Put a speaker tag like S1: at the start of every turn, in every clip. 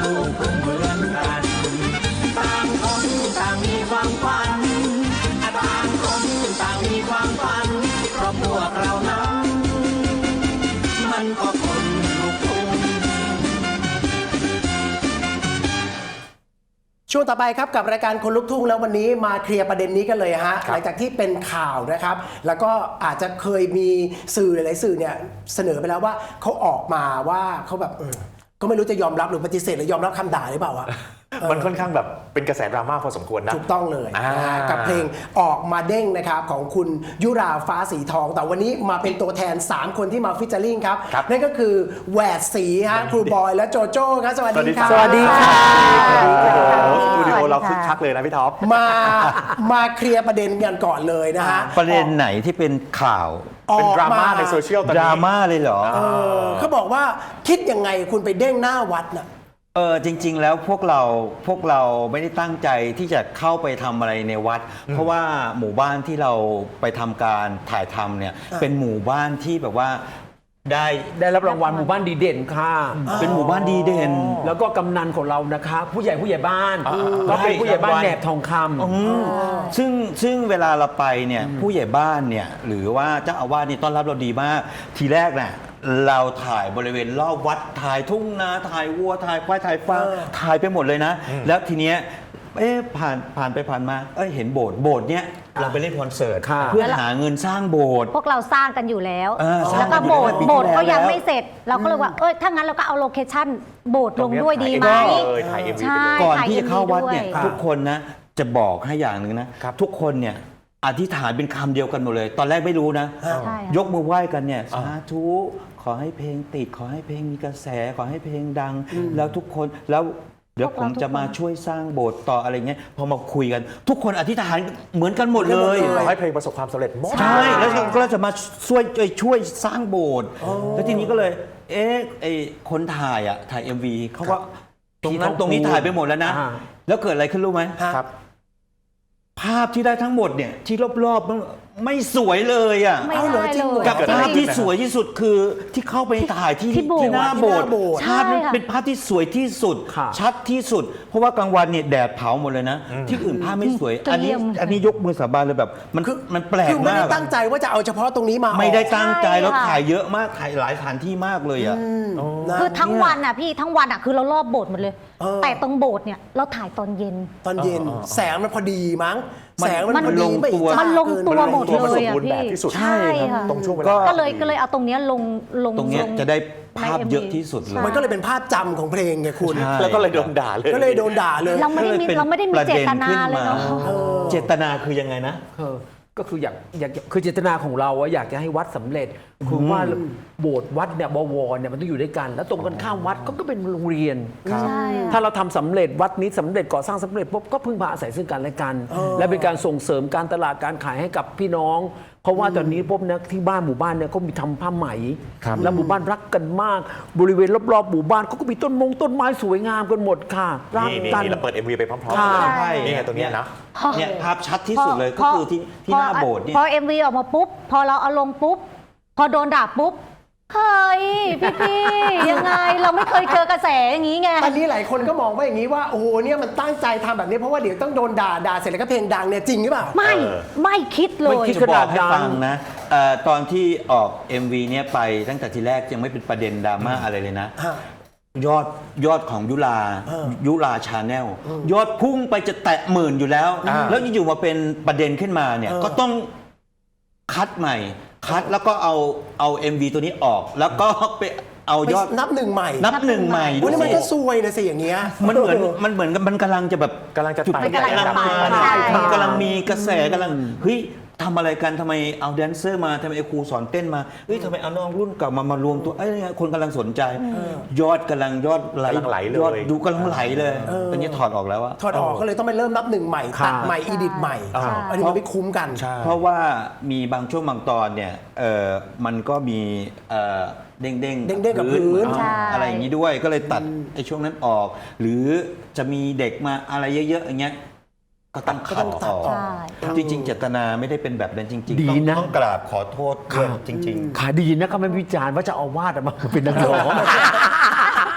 S1: ลูกทุ่งเหมือนกันต่างคนต่างมีความฝันต่างคนต่างมีความฝันเพราะพวกเรานั้นมันก็คนลูกทุ่ง
S2: ช่วงต่อไปครับกับรายการคนลุกทุ่งแล้ววันนี้มาเคลียร์ประเด็นนี้กันเลยฮะหลังจากที่เป็นข่าวนะครับแล้วก็อาจจะเคยมีสื่อหลายๆสื่อเนี่ยเสนอไปแล้วว่าเขาออกมาว่าเขาแบบก็ไม่รู้จะยอมรับหรือปฏิเสธหรือยอมรับคำด่าหรือเปล่าวะ
S3: มันค่อนข้างแบบเป็นกระแสดราม่าพอสมควรนะ
S2: ถูกต้องเลยกับเพลงออกมาเด้งนะครับของคุณยุราฟ้าสีทองแต่วันนี้มาเป็นตัวแทน3คนที่มาฟิชเจอริ่งครับนั่นก็คือแหวดสีฮะครูบอยและโจโจ้ครับสวัสดีครับ
S3: สวัสดีค่ะสตูดิโอเราคึกคักเลยนะพี่ท็อป
S2: มาเคลียร์ประเด็นกันก่อนเลยนะฮะ
S4: ประเด็นไหนที่เป็นข่าว
S3: เป็นดราม่าในโซเชียลตอนนี้
S4: ดราม่าเลยเหรอ
S2: เขาบอกว่าคิดยังไงคุณไปเด้งหน้าวัดน่ะ
S4: จริงๆแล้วพวกเราไม่ได้ตั้งใจที่จะเข้าไปทำอะไรในวัดเพราะว่าหมู่บ้านที่เราไปทำการถ่ายทำเนี่ยเป็นหมู่บ้านที่แบบว่า
S5: ได้รับรางวัลหมู่บ้านดีเด่นค่ะ
S4: เป็นหมู่บ้านดีเด่น
S5: แล้วก็กำนันของเรานะคะผู้ใหญ่บ้านก็เป็นผู้ใหญ่บ้านแหนบทองค
S4: ำซึ่งเวลาเราไปเนี่ยผู้ใหญ่บ้านเนี่ยหรือว่าเจ้าอาวาสนี่ต้อนรับเราดีมากทีแรกน่ะเราถ่ายบริเวณรอบวัดถ่ายทุ่งนาถ่ายวัวถ่ายควายถ่ายฟางถ่ายไปหมดเลยนะแล้วทีเนี้ยผ่านไปผ่านมาเห็นโบสถ์เนี้ยเราไปเล่นคอนเสิร์ตเพื่อหาเงินสร้างโบสถ์
S6: พวกเราสร้างกันอยู่แล้วแล้วก็โบสถ์ก็ยังไม่เสร็จเราก็เลยว่าถ้างั้นเราก็เอาโลเคชั่นโบสถ์ลงด้วยดีไหม
S4: ใช่ก่อนที่จะเข้าวัดเนี่ยทุกคนนะจะบอกให้อย่างหนึ่งนะทุกคนเนี่ยอธิษฐานเป็นคำเดียวกันหมดเลยตอนแรกไม่รู้นะยกมือไหว้กันเนี่ยสาธุขอให้เพลงติดขอให้เพลงมีกระแสขอให้เพลงดังแล้วทุกคนแล้วเดี๋ยวผมจะมาช่วยสร้างโบสถ์ต่ออะไรเงี้ยพอมาคุยกันทุกคนอธิษฐานเหมือนกันหมดเลย
S3: ขอให้เพลงประสบความสำเร็จหมด
S4: ใช่แล้วก็จะมาช่วยสร้างโบสถ์แล้วทีนี้ก็เลยคนถ่ายMV เขาก็ตรงนี้ถ่ายไปหมดแล้วนะแล้วเกิดอะไรขึ้นรู้ไหมครับภาพที่ได้ทั้งหมดเนี่ยที่รอบๆไม่สวยเลยอ่ะ
S6: ไม่ได้เลย
S4: กับภาพที่สวยที่สุดคือที่เข้าไปถ่ายที่หน้าโบสถ์ภาพนั้นเป็นภาพที่สวยที่สุดชัดที่สุดเพราะว่ากลางวันเนี่ยแดดเผาหมดเลยนะที่อื่นภาพไม่สวยอันนี้ยกมือสาบานเลยแบบมันแปลกมากคือ
S2: ไม่ได้ตั้งใจว่าจะเอาเฉพาะตรงนี้มา
S4: ไม่ได้ตั้งใจแล้วถ่ายเยอะมากถ่ายหลายสถานที่มากเลยอ่ะ
S6: คือทั้งวันอ่ะพี่ทั้งวันอ่ะคือเรารอบโบสถ์หมดเลยแต่ตรงโบสถ์เนี่ยเราถ่ายตอนเย็น
S2: แสงมันพอดีมั้งแสงมัน
S4: ลงตัว
S6: มันลงตัวหมดเลยอ่ะพี่
S3: ใช่
S6: ตรงช่วงเวลาก็เลยเอาตรงนี้ลง
S4: ตรงนี้จะได้ภาพเยอะที่สุดเลย
S2: มันก็เลยเป็นภาพจำของเพลงไงคุณ
S3: แล้วก็เลยโดนด่าเลย
S6: เราไม่ได้มีเจตนาเลยเนาะ
S4: เจตนาคือยังไงนะ
S5: ก็คืออยากคือเจตนาของเราอยากจะให้วัดสำเร็จคือว่าโบสถ์วัดเนี่ยบวรเนี่ยมันต้องอยู่ด้วยกันแล้วตรงกันข้ามวัดก็เป็นโรงเรียนถ้าเราทำสำเร็จวัดนี้สำเร็จก่อสร้างสำเร็จปุ๊บก็พึ่งพาอาศัยซึ่งกันและกันและเป็นการส่งเสริมการตลาดการขายให้กับพี่น้องเพราะว่าตอนนี้ปุ๊บนะที่บ้านหมู่บ้านเนี่ยก็มีทำผ้าไหมแล้วหมู่บ้านรักกันมากบริเวณรอบๆหมู่บ้านเขาก็มีต้นไม้สวยงามกันหมดค่ะ
S3: รักกันเราเปิด MV ไปพร้อมๆกันนี่ไงตรงนี้นะ
S4: เนี่ยภาพชัดที่สุดเลยก็คือที่หน้าโบสถ์เนี่ย
S6: พอ MV ออกมาปุ๊บพอเราเอาลงปุ๊บพอโดนด่าปุ๊บเฮ้ยพี่ยังไงเราไม่เคยเจอกระแสอย่างนี้ไง
S2: ตอนนี้หลายคนก็มองว่าอย่างนี้ว่าโอ้โหเนี่ยมันตั้งใจทำแบบนี้เพราะว่าเดี๋ยวต้องโดนด่าเสร็จแล้วก็เพลงดังเนี่ยจริงหรือเปล่า
S6: ไม่คิดเลย
S4: ไม่คิดขนาดนั้นฟังนะตอนที่ออก MV เนี่ยไปตั้งแต่ทีแรกยังไม่เป็นประเด็นดราม่าอะไรเลยนะยอดของยุราชาแนลยอดพุ่งไปจะแตะหมื่นอยู่แล้วแล้วอยู่มาเป็นประเด็นขึ้นมาเนี่ยก็ต้องคัดใหม่แล้วก็เอา MV ตัวนี้ออกแล้วก็ไปเอายอด
S2: นับหนึ่งใหม่
S4: วัน
S2: นี้มันก็ซวยนะสิอย่างเงี้ย
S4: มันเหมือนมันกำลังจะแบบ
S3: กำลังจะไต่
S4: มันกำลังมีกระแสกำลังเฮ้ยทำอะไรกันทำไมเอาแดนเซอร์มาทำไมครูสอนเต้นมาเฮ้ยทำไมเอาน้องรุ่นเก่ามารวมตัวคนกำลังสนใจยอดไหลเลยยอดดูกำลังไหลเลยตอนนี้ถอดออกแล้วอะ
S2: ถอดออกก็เลยต้องไปเริ่มนับหนึ่งใหม่ตัดใหม่อีดิทใหม่อันนี้มันไม่คุ้มกัน
S4: เพราะว่ามีบางช่วงบางตอนเนี่ยมันก็มีเด้ง
S2: กับพื้น
S4: อะไรอย่างนี้ด้วยก็เลยตัดไอ้ช่วงนั้นออกหรือจะมีเด็กมาอะไรเยอะๆอย่างเงี้ยก็ต้องขัดออกจริงๆเจตนาไม่ได้เป็นแบบนั้นจริงๆต้องกราบขอโทษจริง
S5: ๆขาดีนะก็ไม่วิจารณ์ว่าจะเอาวาดมาเป็นนักร้อง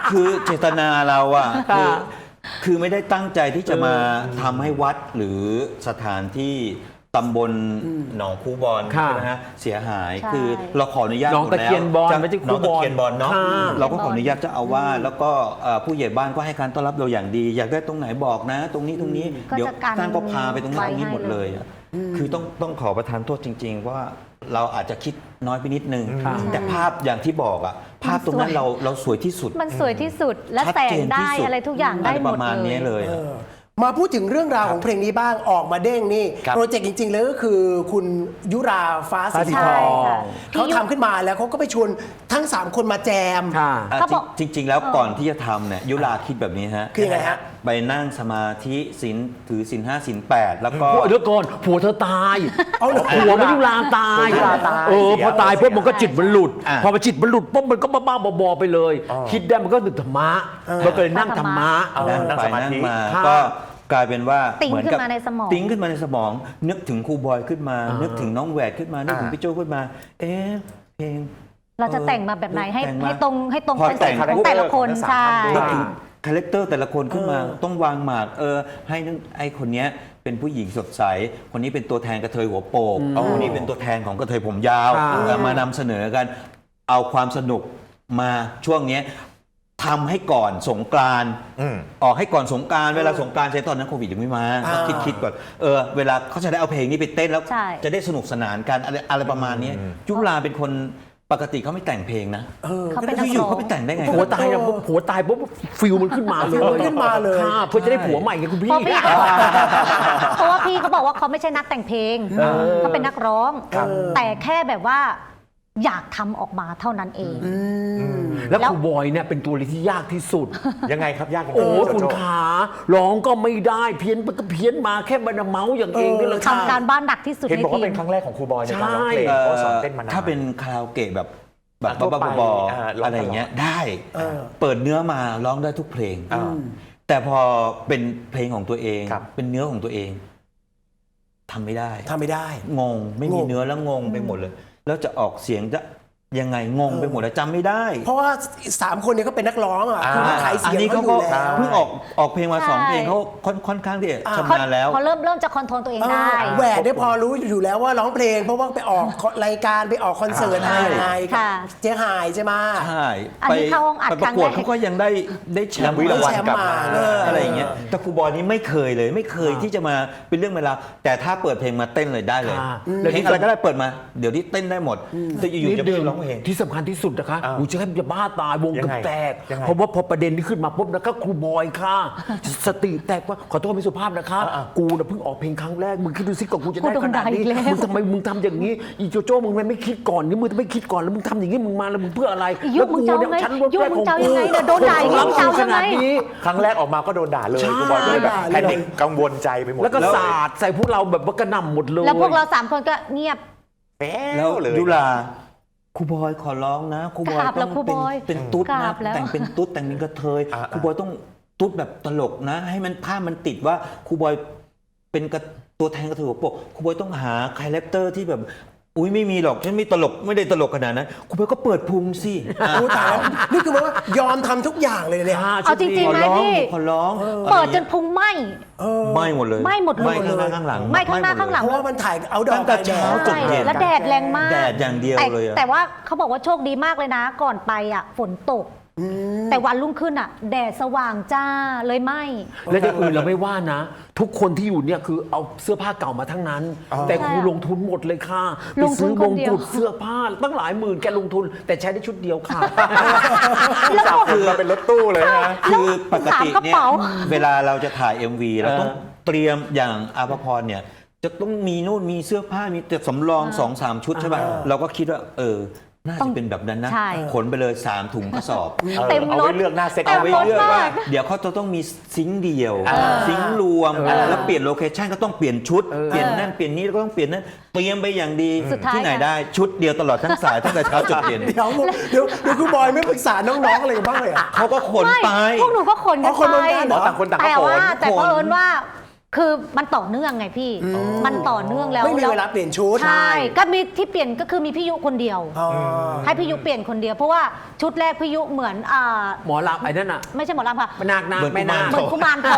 S4: คือเจตนาเราอะคือไม่ได้ตั้งใจที่จะมาทำให้วัดหรือสถานที่ตำบลหนองคูบอล
S5: ค่ะ
S4: ใช่ไหมฮะเสียหาย
S6: ใช่
S4: คือเราขออนุญาต
S5: หนองตะเคียนบอล
S4: หมดแล้ว
S5: ไม่ใช่คู
S4: หนอง
S5: บ
S4: ตะ
S5: อล
S4: เคียนบอลเนาะ
S5: ค่ะ
S4: เราก็ขออนุญาตเจ้าอาวาสแล้วก็ผู้ใหญ่บ้านก็ให้การต้อนรับเราอย่างดี อยากได้ตรงไหนบอกนะ ตรงนี้
S6: ก็
S4: เดี๋ยว
S6: จะกัน
S4: ท่านก็พาไปตรงนั้น
S6: ไว้
S4: ตรงนี้
S6: ให้
S4: หมดเลยอะคือต้องขอประทานโทษจริง ๆ ว่าเราอาจจะคิดน้อยไปนิดนึง
S5: ครับ
S4: แต่ภาพอย่างที่บอกอะภาพตรงนั้นเราสวยที่สุด
S6: มันสวยที่สุดและ
S4: ชัด
S6: แส
S4: เจ
S6: ง
S4: น
S6: ได้
S4: ที่สุด
S6: อะไรทุกอย่างได้หม
S4: ป
S6: ด
S4: ระมาณ
S6: เล
S4: นี้
S6: ย
S4: เลย
S2: มาพูดถึงเรื่องราวของเพลงนี้บ้างออกมาเด้งนี่
S3: ครับ
S2: โปรเจกต์จริงๆเลยก็คือคุณยุราฟ้าสี
S5: ฟ้าสี
S2: ท
S5: ท
S2: อ
S5: อง
S6: ค่ะ
S2: เขาทำขึ้นมาแล้วเขาก็ไปชวนทั้ง 3 คนมาแจม
S5: ค่ะ
S6: เขาบอก
S4: จริง ๆ แล้วก่อนที่จะทำเนี่ยยุราคิดแบบนี้ฮะ
S2: คือยังไงฮะ
S4: ไปนั่งสมาธิศีลถือศีล5ศีล8แล้วก็
S5: เดี๋ยวก่อนผัวเธอตาย
S2: เอาเหรอ
S5: ผัวไม่ยุราตาย
S3: ยุราตาย
S5: พอตายปุ๊บมันก็จิตมันหลุด
S4: อ่ะ
S5: พอมันจิตมันหลุดปุ๊บมันก็บ้าๆบอๆไปเลย คิดได้มันก็นึกธรรมะมันก็เลยนั่งธรรมะ
S4: นั่ง
S3: นั่ง
S4: ไป
S3: สมาธิ
S4: นั่งมา
S5: ค่ะ
S4: ก็กลายเป็นว่า
S6: ติ๊ง
S4: เหมือน
S6: ขึ้
S4: กับ
S6: นมาในสมอง
S4: ติ๊งขึ้นมาในสมอง นึกถึงครูบอยขึ้นมา นึกถึงน้องแหวดขึ้นมานึกถึงพี่โจ้ขึ้นมา เอ๊ะเพลง
S6: เราจะแต่งมาแบบไหนให้
S4: แต่งมา
S6: ให้ตรง
S4: พอ
S6: คอนเซ็ปต์
S4: แต่ง
S6: ของแต่ละคน
S3: ทั้งสาม
S6: ใช่
S3: ท่านด้วย
S4: นึกถึงคาแรคเตอร์แต่ละคนขึ้นมาต้องวางหมากให้นึกไอ้คนเนี้ยเป็นผู้หญิงสดใส คนนี้เป็นตัวแทนกระเทยหัวโปกคนนี้เป็นตัวแทนของกระเทยผมยาว
S5: ค่ะ
S4: มานำเสนอกันเอาความสนุกมาช่วงเนี้ยทำให้ก่อนสงกรานต์
S3: อืม
S4: ออกให้ก่อนสงกรานต์เวลาสงกรานต์ใช้ตอนนั้นโควิดยังไม่มา
S2: อ่า
S4: คิดก่อนเวลาเขาจะได้เอาเพลงนี้ไปเต้นแล้ว
S6: ใช่
S4: จะได้สนุกสนานกันอะไรประมาณนี้ยุราเป็นคนปกติเขาไม่แต่งเพลงนะ
S6: เขาเป็นนั
S4: แล้ว
S6: ก
S4: อยู่
S6: ร้อ
S4: เขา
S6: ง
S4: ไปแต่งได้ไง
S5: ผัวตายแล้วปุ๊บผัวตายปุ๊บฟิลมันขึ้นมาเลย
S2: ฟิลมันขึ้นมาเลย
S5: ค่ะเพื่อจะได้ผัวใหม่ไงคุณพี่
S6: เพราะพี่เขาบอกเพราะว่าพี่เขาบอกว่าเขาไม่ใช่นักแต่งเพลงเขาเป็นนักร้อง แต่แค่แบบว่าอยากทำออกมาเท่านั้นเอง
S5: แล้วครูบอยเนี่ยเป็นตัวที่ยากที่สุด
S3: ยังไงครับยากยังไง
S5: โอ้
S3: โจโจ้
S5: คุณขาร้องก็ไม่ได้เพี้ยนไปก็เพี้ยนมาแค่บันเมาส์อย่างเองนี่แหละค่ะ
S6: ทำการบ้านหนักที่สุด
S3: เห็น
S6: ใน
S3: บอก
S6: ที
S3: ว่าเป็น
S6: ม
S3: ครั้งแรกของครูบอยในการร้องเพลง
S4: เอ่อ
S3: เพราะสอนเต้นมานาน
S4: ถ้าเป็นคาราโอเกะแบบ
S3: ทั่วไป
S4: บ้าๆบอๆ
S3: ร้อง
S4: อะไรอย่างเงี้ยได้
S2: เออ
S4: เปิดเนื้อมาร้องได้ทุกเพลง
S3: อ่า
S4: แต่พอเป็นเพลงของตัวเอง
S3: ครับ
S4: เป็นเนื้อของตัวเองทำไม่ได้
S2: ทำไม่ได้
S4: งงไม่มี
S2: งง
S4: เนื้อแล้วงงไปหมดเลย แล้วจะออกเสียงจะยังไงงงไปหมดแล้วจำไม่ได้
S2: เพราะว่า 3 คนเนี้ก็เป็นนักร้องอ่ะคือขายเสียง
S4: อันนี้
S2: เขา
S4: เขา
S2: อ
S4: ก็
S2: ยู่แล้ว
S4: เพิ่งออกเพลงมา
S6: ใช่
S4: 2 เพลงเขาค่อนข้างที่จะ
S2: อ่า
S4: ชำนาญแล้ว
S6: เขาเริ่มจะคอนโทรลตัวเองได้
S2: แหวนได้พอรู้อยู่แล้วว่าร้องเพลง เพราะว่าไปออกรายการไปออกคอนเสิร์ต
S4: ใช่
S2: อะไรกับ
S6: ค่ะ
S2: เจ๊หายใช่ไหม
S4: ใช่
S6: อันนี้เข้าห้องอัด
S4: ไปประกวด
S6: ครั้งแรก
S4: เขาก็ยังได้แชมป์
S3: วิรางวัลกลับมา
S4: อะไรอย่างเงี้ยแต่ครูบอยนี่ไม่เคยเลยไม่เคยที่จะมาเป็นเรื่องเวลาวแต่ถ้าเปิดเพลงมาเต้นเลยได้เลย
S5: ค่ะ
S4: เพลงอะไรก็ได้เปิดมาเดี๋ยวนี้เต้นได้หมดแต่อยู่ๆจะ
S5: นิด
S4: ไม่
S5: เดียว
S4: ร้องเพลง
S5: ที่สำคัญที่สุดนะคะ
S3: อ่า
S5: อูจะให้จะบ้าตายวง
S3: ยั
S5: เกับ
S3: งไง
S5: แตก
S3: ยังไง
S5: เพราะว่าพอประเด็นนี้ขึ้นมาปุ๊บนะคะครูบอยค่ะ สติแตกว่าขอโทษไม่สุภาพนะคะ กูน่ะเพิ่งออกเพลงครั้งแรกมึงคิดดูสิก่อนกูจะได้
S6: กูโด
S5: ข
S6: น
S5: นาด
S6: ด่าอี
S5: นี้
S6: กแล้ว
S5: มึงทำไมมึงทำอย่างนี้อีโจโจ้มึงไม่คิดก่อนนี่มึงไม่คิดก่อนแล้วมึงทำอย่างนี้มึงมาแล้วมึงเพื่ออะไร
S6: อียุคมึงจะเอาไง
S5: แล้วกู
S6: ยุคมึงจะเอายังไงเนี่ยโดนด่าอย่างนี้
S5: รับ
S6: มึงจะเอา
S5: ข
S6: ยังไง
S5: นาดนี้
S3: ครั้งแรกออกมาก็โดนด่าเลย
S5: ใช่
S3: ครูบอยก็เลยแบบ
S2: ด่าเลย
S3: แพนิคกังวลใจไปหมด
S5: แล้วก็
S3: เลย
S5: สาดใส่พวกเราแบบว่ากระหน่ำหมดเลย
S6: แล้วพวกเรา3 คนก็เงียบ
S3: แป๊
S4: แล้ว
S3: วเลย
S4: ยุราครูบอยขอร้องนะครูบอย
S6: กราบแล้
S4: ต้
S6: ว
S4: อง
S6: ครูบอย
S4: เป็นตุ๊ด
S6: กรา
S4: นะ
S6: บแล้ว
S4: แต่งเป็นตุ๊ดแต่งเป็นกระเทย
S3: อ่า
S4: ครูบอยต้องตุ๊ดแบบตลกนะ ให้มันภาพมันติดว่าครูบอยเป็นตัวแทนกระเทยหัวโปกครูบอยต้องหาคาแรคเตอร์ที่แบบอุ้ยไม่มีหรอกฉันไม่ตลกไม่ได้ตลกขนาดนั้นครูบอยก็เปิดพุงสิ
S2: โอ้ตายแล้วนี่คือหมายว่ายอมทำทุกอย่างเลยเนี่ย
S6: เอาจริง
S4: ขอ
S6: ๆไหม
S4: ร้อง
S6: พี่
S4: ขอร้อง
S6: เปิดจนพุงไหม
S4: ไหม่หมดเลย
S6: ไหม้หมดเลย
S4: ไหม้ข้างหน้าข้างหลัง
S6: ไหม้ข้างหน้าข้างหลัง
S2: เพราะว่ามันถ่ายเอาดอ
S4: ตั้
S2: ก
S4: งแต่เช้าจนเย็น
S6: แล้วแดดแรงมาก
S4: แดดอย่างเดียว
S6: แต่
S4: เลยอะ
S6: แต่ว่าเขาบอกว่าโชคดีมากเลยนะ ก่อนไปอ่ะฝนตก แต่วันรุ่งขึ้นอ่ะ แดดสว่างจ้าเลยไหม
S5: และอย่างอื่นเราไม่ว่านะ ทุกคนที่อยู่เนี่ยคือเอาเสื้อผ้าเก่ามาทั้งนั้น แต่ครูลงทุนหมดเลยค่ะ
S6: ล
S5: ไป
S6: งทุ
S5: ซื้
S6: น
S5: อ
S6: ค
S5: ม
S6: น
S5: ง
S6: เดียว
S5: กุฎเสื้อผ้าตั้งหลายหมื่นแกลงทุน แต่ใช้ได้ชุดเดียวค่ะ
S6: แล้ว
S3: จับ
S6: ก็
S3: คือมาเป็นรถตู้เลยนะ
S4: คือปกติ
S6: สามกระ
S4: เนี่ย
S6: เป๋า
S4: เวลาเราจะถ่าย MV เราต้องเตรียมอย่างอาภพรเนี่ยจะต้องมีนู่นมีเสื้อผ้ามีแต่สำรอง 2-3 ชุดใช่ป่ะเราก็คิดว่าน่าจะเป็นแบบนั้นนะ
S6: ใช่
S4: ขนไปเลย 3 ถุงกระสอบ
S6: เต็ม
S3: เอา
S6: ร
S3: ไว้
S6: ถ
S3: เลือกหน้าเซ็ต
S6: เต็ม
S4: เอาไว้
S6: รถ
S4: เลือกว่า
S6: มาก
S4: เดี๋ยวเขาจะต้องมีซิงค์เดียว ซิงค์รวม แล้วเปลี่ยนโลเคชั่นก็ต้องเปลี่ยนชุด เปลี่ยนนั่นเปลี่ยนนี้แล้วก็ต้องเปลี่ยนนั่นเตรียมไปอย่างดี
S6: สุดท้าย
S4: ที่ไหน
S6: ค่ะ
S4: ได้ชุดเดียวตลอดทั้งสายตั้งแต่เช้าจนเย็น
S2: เดี๋ยวครูบอยไม่ปรึกษาน้องๆอะไรกันบ้างเลยเหรอ
S4: เขาก็ขนไป
S6: พวกหนูก็ขนกั
S2: อ๋
S6: น
S2: อคน
S6: ไป
S2: เหมือนกันเหรอ
S3: ต่างคนต่าง
S6: แต่
S3: ก็โผ
S6: ว่า
S3: ล่
S6: แต่
S4: ขน
S6: เผอิญว่าคือมันต่อเนื่องไงพี่ มันต่อเนื่องแล้ว
S2: ไม่มีเวลาเปลี่ยนชุด
S6: ใช่ก็มีที่เปลี่ยนก็คือมีพี่ยุคนเดียว
S2: อ๋อ
S6: ให้พี่ยุเปลี่ยนคนเดียวเพราะว่าชุดแรกพี่ยุเหมือน
S5: หมอลำไอ้นั่นอ่ะ
S6: ไม่ใช่หมอลำค่ะ
S5: มันนาค
S4: เหมือน
S5: แม่นาค
S6: เหมือนกุมารทอง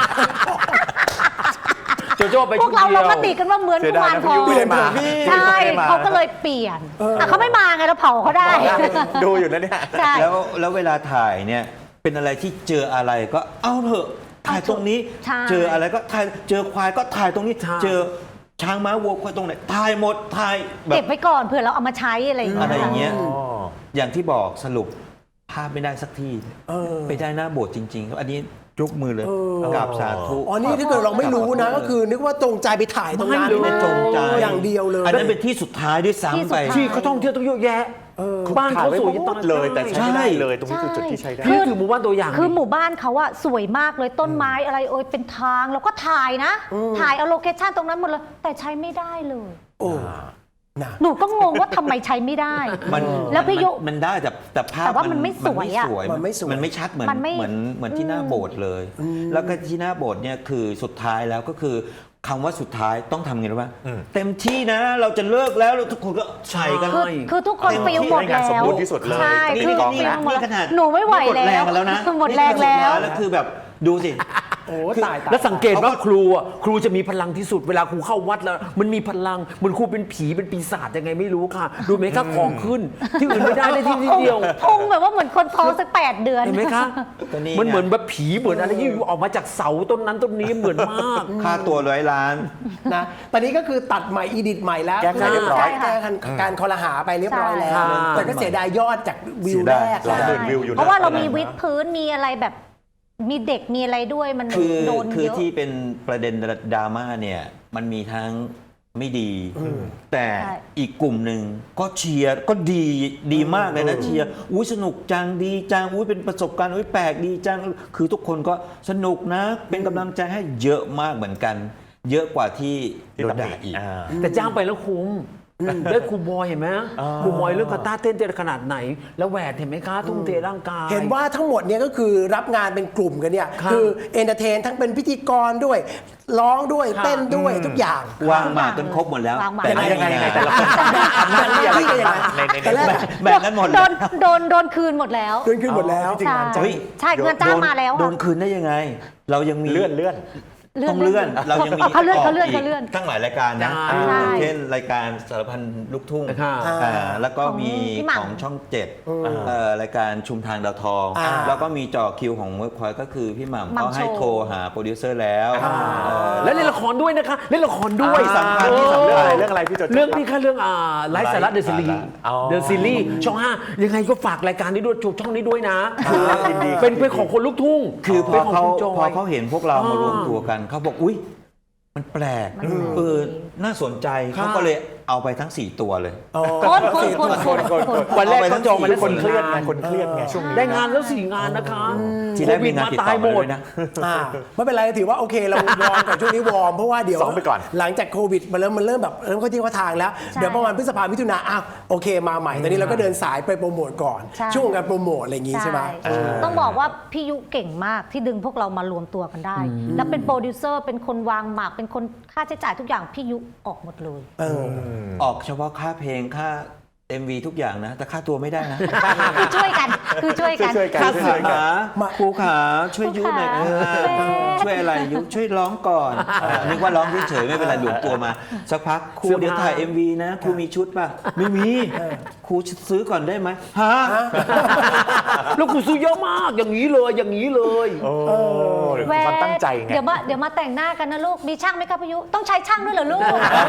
S5: โจโจ้ไป
S6: พ
S5: ชุ
S6: ว
S5: ด
S6: กเรา
S5: เดี
S6: ล
S5: ยว
S6: งมติกันว่าเหมือนกุมารทอง
S3: เปลี่ยนผม
S6: ใช่เขาก็เลยเปลี่ยนเขาไม่มาไงเราเผาเขาได้
S3: ดูอยู่นะเนี่ย
S6: ใช่
S4: แล้วเวลาถ่ายเนี่ยเป็นอะไรที่เจออะไรก็เอาเถอะถ่ายตรงนี้
S6: ใช่
S4: เจออะไรก็ถ่ายเจอควายก็ถ่ายตรงนี้
S5: ใช่
S4: เจอช้างม้าวัวควายตรงไหนถ่ายหมดถ่ายแบ
S6: เก็
S4: บบ
S6: ไว้ก่อนเผื่อเราเอามาใช้อะไรอย่างเงี้
S4: อะไรอย่างเงี้ย
S3: อ๋อ
S4: อย่างที่บอกสรุปภาพไม่ได้สักทีไปได้หน้าโบสถ์จริงๆครับอันนี้ยกมือเลยกราบสาธุ
S2: อ๋อนี่ถ้าเกิดเราไม่รู้นะก็คือนึกว่าตรงใจไปถ่ายตรงนั้น
S4: ไม่จงใจ
S2: อย่างเดียวเลย
S4: อันนั้นเป็นที่สุดท้ายด้วยซ้ำไป
S5: ที่เขาท่องเที่ยวต้องเยอะแยะบ้านเขาสวยจะตาย
S3: เลยแต่ใช้ไม่ได้
S4: ใช่
S3: เลยตรงนี้คือจุดที่ใช้ได้
S5: นี่คือหมู่บ้านตัวอย่าง
S6: คือหมู่บ้านเขาอะสวยมากเลยต้นไม้อะไรเอ่ยเป็นทางแล้วก็ถ่ายนะ ถ่ายเอาโลเคชั่นตรงนั้นหมดเลยแต่ใช้ไม่ได้เลย
S2: โอ้นะ
S6: หนูก็งงว่าทำไมใช้ไม่ได้
S4: มัน
S6: แล้วพี่ยุ
S4: มันได้แต่ภาพ
S6: แต่ว่ามันไม่สวยอะ
S2: มันไม่สวย
S4: มันไม่ชัดเหมือน
S6: มันไม่
S4: เหมือนที่หน้าโบสถ์เลย แล้วก็ที่หน้าโบสถ์เนี่ยคือสุดท้ายแล้วก็คือคำว่าสุดท้ายต้องทำไงรู้ป่ะเต็มที่นะเราจะเลิกแล้วแล้วทุกคนก็ใส่กัน
S6: คือทุกคนฟิลหมด
S3: ให้งาน
S6: แล้
S3: สม
S6: ว
S3: บูรณ์ที่สุดเลย
S6: ใช่
S3: นี่
S6: คือ
S3: กอง
S6: ฟิล
S3: นะ
S6: หมด
S4: นี่ขนาด
S6: หนูไม่ไหว
S4: หมดแร
S6: แล้
S4: ง
S6: ว
S4: กันแล้วนะ
S6: หมดแรงแล้ว
S4: แล้วคือแบบดูสิ
S2: โอ้ตาย
S5: แล้วสังเกตว่าครูอ่ะครูจะมีพลังที่สุดเวลาครูเข้าวัดแล้ว มันมีพลังเหมือนครูเป็นผีเป็นปีศาจยังไงไม่รู้ค่ะ ดูไหมคะของขึ้น ที่อื่นไม่ได้ได้ที่เดียว
S6: พุงแบบว่าเหมือนคนท้องสัก8 เดือน
S5: เห็นไหมคะ
S4: ก็นี่ไง
S5: มันเหมือนแบบผีเหมือนอะไรที่อยู่ออกมาจากเสาต้นนั้นต้นนี้เหมือนมาก
S4: ค่าตัว100 ล้าน
S2: นะตอนนี้ก็คือตัดใหม่อีดิทใหม่แล้ว
S3: แก้ไขเรียบร้อย
S2: แก้การคอรหาไปเรียบร้อยแล้ว
S5: ใช่
S2: แต่ก็เสียดายยอดจากวิวแรก
S3: เสียดาย 20,000 วิวอยู่นะ
S6: เพราะว่าเรามีวิดพื้นมีอะไรแบบมีเด็กมีอะไรด้วยมัน
S4: คือ
S6: โดน
S4: คือ
S6: เยอะ
S4: ที่เป็นประเด็นดราม่าเนี่ยมันมีทั้งไม่ดี แต่
S6: ใช่
S4: อีกกลุ่มหนึ่งก็เชียร์ก็ดีมากเลยนะเชียร์อุ้ยสนุกจังดีจังอุ้ยเป็นประสบการณ์อุ้ยแปลกดีจังคือทุกคนก็สนุกนะเป็นกำลังใจให้เยอะมากเหมือนกัน เยอะกว่าที่โดนด่าอีก
S5: แต่จ้างไปแล้วคุ้มได้ครูบอยเห็นไหมครูบอยเรื่องกาตาร์เต้นขนาดไหน แล้วแหวนเห็นไหมคะทุ่มเทร่างกาย
S2: เห็นว่าทั้งหมดเนี่ยก็คือรับงานเป็นกลุ่มกันเนี่ย
S5: ครับ
S2: คือเอนเตอร์เทนทั้งเป็นพิธีกรด้วย ร้องด้วย
S5: ครับ
S2: เต้นด้วยทุกอย่าง
S4: วางหมากจนครบหมดแล้ว
S6: วางหมาก
S4: แต่ไม่
S3: ยังไง
S4: มี
S3: ยังไง
S4: งาน
S3: แต่ละคนทำหน้าที่อะไรกันบ้างใน
S2: แต่แรก
S4: แบ่งกันหมดเลย
S6: โดนคืนหมดแล้ว
S2: โดนขึ้นหมดแล้ว
S3: จริงๆงานจ้าง
S4: เฮ้ย
S6: ใช่เงินจ้างมาแล้ว
S4: โด
S6: ค่ะ
S4: นคืนได้ยังไง เรายังมี
S3: เลื่อน
S4: ต้องเลื่อน เรายังมี
S6: เขาเลื่อน
S4: ก
S6: เขาเลื่อน
S4: ก
S6: เขาเลื่อน
S4: ตั้งหลายรายการนะ
S5: ใช่
S4: เช่นรายการสารพันลูกทุ่ง
S5: ค่ะ
S4: แล้วก็มี
S6: ของพี่หม่ำ
S4: ของช่องเจ็ดรายการชุมทางดาวทอง
S2: อ่า
S4: แล้วก็มีจ่อคิวของเวิร์กพอยต์ก็คือพี่หม่ำ
S6: หม่ำ
S4: เขาให้
S6: โชว์
S4: โทรหาโปรดิวเซอร์แล้ว
S5: แล้วเล่นละครด้วยนะคะเล่นละครด้วย
S3: ที่สำคัญที่สำคัญเรื่องอะไรพี่โจโจ้
S5: เรื่องนี้ค่ะเรื่องไลฟ์สาระเดอะซีรีส์
S3: อ๋อ
S5: เดอะซีรีส์ช่อง 5 ยังไงก็ฝากรายการนี้ด้วยช่องนี้ด้วยนะ
S3: ยินดี
S5: เป็นของคนลูกทุ่ง
S4: คือพ
S5: ป็
S4: อน
S5: ของ
S4: เขา
S5: คุณจอย
S4: พอเขาเห็นพวกเรามารวมตัวกันเขาบอกอุ้ยมันแปลก
S6: มันแปลก
S4: น่าสนใจ
S5: ค่ะ
S4: เขาก็เลยเอาไปทั้ง 4 ตัวเลย
S6: คน
S5: วันแรก
S4: เอาไปทั้
S5: เขา
S4: ง
S5: จองมา
S4: สี่
S5: ได้
S3: คนเครียดไง
S5: 4
S3: คนเครียดไงช่วงนี้
S5: ได้งานแล้ว 4 งานนะคะ
S4: ทีแรกมีงานติดต่อมาด้วยนะ
S2: ไม่เป็นไรถือว่าโอเคเราวอร์มก่อนช่วงนี้วอร์มเพราะว่าเดี๋ยว
S3: ซ้อมไปก่อน
S2: หลังจากโควิดมันเริ่มแบบเริ่มเข้าที่เข้าทางแล้ว เดี๋ยวประมาณพฤษภามิถุนาอ้าวโอเคมาใหม่ตอนนี้เราก็เดินสายไปโปรโมทก่อน
S6: ใช่
S2: ช่วงการโปรโมทอะไรอย่างงี้ใช่ไหม
S6: ต้องบอกว่าพี่ยุเก่งมากที่ดึงพวกเรามารวมตัวกันได้ แล้วเป็นโปรดิวเซอร์เป็นคนวางหมากเป็นคนค่าใช้จ่ายทุกอย่างพี่ยุออกหมดเลย
S4: ออกเฉพาะค่าเพลงค่า MV ทุกอย่างนะ แต่ค่าตัวไม่ได้นะ
S6: คือช่วยกันคือช่วยกัน
S3: ช่วยกัน
S4: ค่า
S3: ช่วย
S4: ขา
S3: กัน
S4: ครูขาช่วยยุหน่อย
S6: ครูขา
S4: ช่วยอะไรยุช่วยร้องก่อนนึกว่าร้องเฉยๆไม่เป็นไรหลวมตัวมา สักพักครู
S5: เสื้อผ้า
S4: เดี๋ยวถ่าย MV นะครูมีชุดป่ะ ไม่มีครูซื้อก่อนได้ไหมฮะ
S5: แล้วกูซื้อเยอะมากอย่างนี้เลยอย่างนี้เลย
S3: โอ้ความตั้งใจไง
S6: เดี๋ยวมาแต่งหน้ากันนะลูกมีช่างไหมครับพี่ยุต้องใช้ช่างด้วยเหรอลูก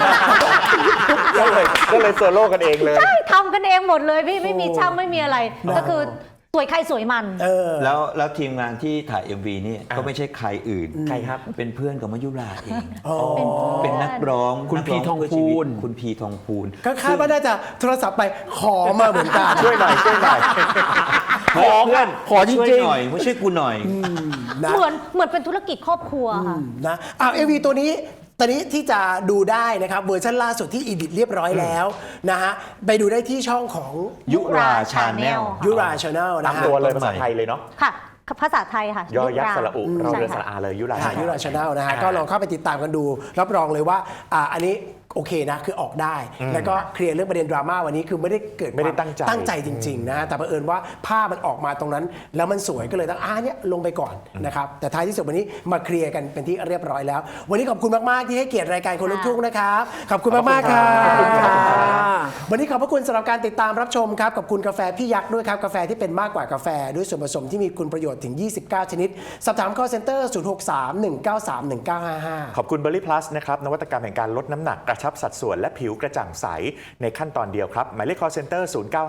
S3: ก็เลยโซโล่กันเองเลย
S6: ใช่ทำกันเองหมดเลยพี่ไม่มีช่างไม่มีอะไร ก็คือสวยใครสวยมัน
S4: แล้วทีมงานที่ถ่าย MV นี่ก็ไม่ใช่ใครอื่น
S3: ใครครับ
S4: เป็นเพื่อนกับมายุราเอง
S6: เป็นเพื่อน
S4: เป็นนักร้อง
S5: คุณ
S4: นัก
S5: พี
S4: ร้
S5: ทอง
S4: เพื่ชี
S5: พู
S4: วิต
S5: น
S4: คุณพีทองพูน
S2: ก็คาดว่าน่าจะโทรศัพท์ไปขอมาเหมือนกัน
S3: ช่วยหน่อย
S5: ขอเพื่อนขอจ
S4: ช่วย
S5: ริง
S4: หน่อยไม่ช่วยกูหน่อย
S2: นะ
S6: เหมือนเป็นธุรกิจครอบครัวค่ะ
S2: นะMV ตัวนี้ตอนนี้ที่จะดูได้นะครับเวอร์ชันล่าสุดที่อีดิทเรียบร้อยแล้วนะฮะไปดูได้ที่ช่องของ
S4: ยุราชาแนล
S2: ยุราชาแนล
S3: ตา
S2: นะ
S3: ม
S2: ฮะ
S3: ตัวเลยภาษาไทยเลยเนาะ
S6: ค่ะภาษาไทยค่ะ
S3: ยอยักษ์สระอุเรา
S6: ใช่
S3: เรือส
S6: ค่ะ
S3: ระอาเลยยุรา
S2: ยุราชาแนลนะฮะ ก็ลองเข้าไปติดตามกันดู รับรองเลยว่าอันนี้โอเคนะคือออกได้ แล้วก็เคลียร์เรื่องประเด็นดราม่าวันนี้คือไม่ได้เกิด
S3: ไม่ได้
S2: ความ
S3: ตั้งใจ
S2: จริงๆนะฮะแต่เผอิญว่าภาพมันออกมาตรงนั้น แล้วมันสวยก็เลยต้องเนี่ยลงไปก่อนนะครับแต่ท้ายที่สุดวันนี้มาเคลียร์กันเป็นที่เรียบร้อยแล้ว วันนี้ขอบคุณมากๆที่ให้เกียรติรายการคนลุกทุ่งนะครับขอบคุณมากๆครับวันนี้ขอบพระคุณสำหรับการติดตามรับชมครับขอบคุณกาแฟพี่ยักษ์ด้วยครับกาแฟที่เป็นมากกว่ากาแฟด้วยส่วนผสมที่มีคุณประโยชน์ถึง 29 ชนิดสอบถาม call center 063-193-1955
S3: ขอบคุณเบอร์รี่พลัสนะครับนวัตกรรมแห่งการลดน้ำหนักกระชับสัดส่วนและผิวกระจ่างใสในขั้นตอนเดียวครับหมายเลข call center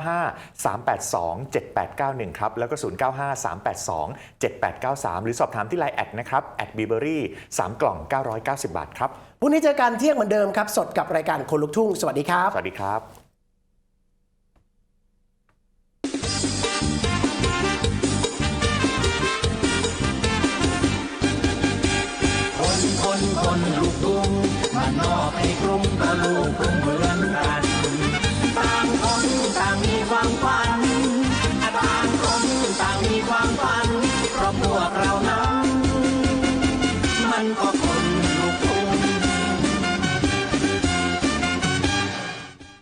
S3: 095-382-7891 ครับแล้วก็ 095-382-7893 หรือสอบถามที่ Line แอดนะครับ@bberry 3 กล่อง 990 บาทครับ
S2: พรุ่งนี้เจอกันเที่ยงเหมือนเดิมครับ สดกับรายการคนลุกทุ่ง สวัสดีครับ
S3: สวัสดีครับ
S1: คนลุกทุ่งบ้านนอกให้กรุงก็ลูกกรุง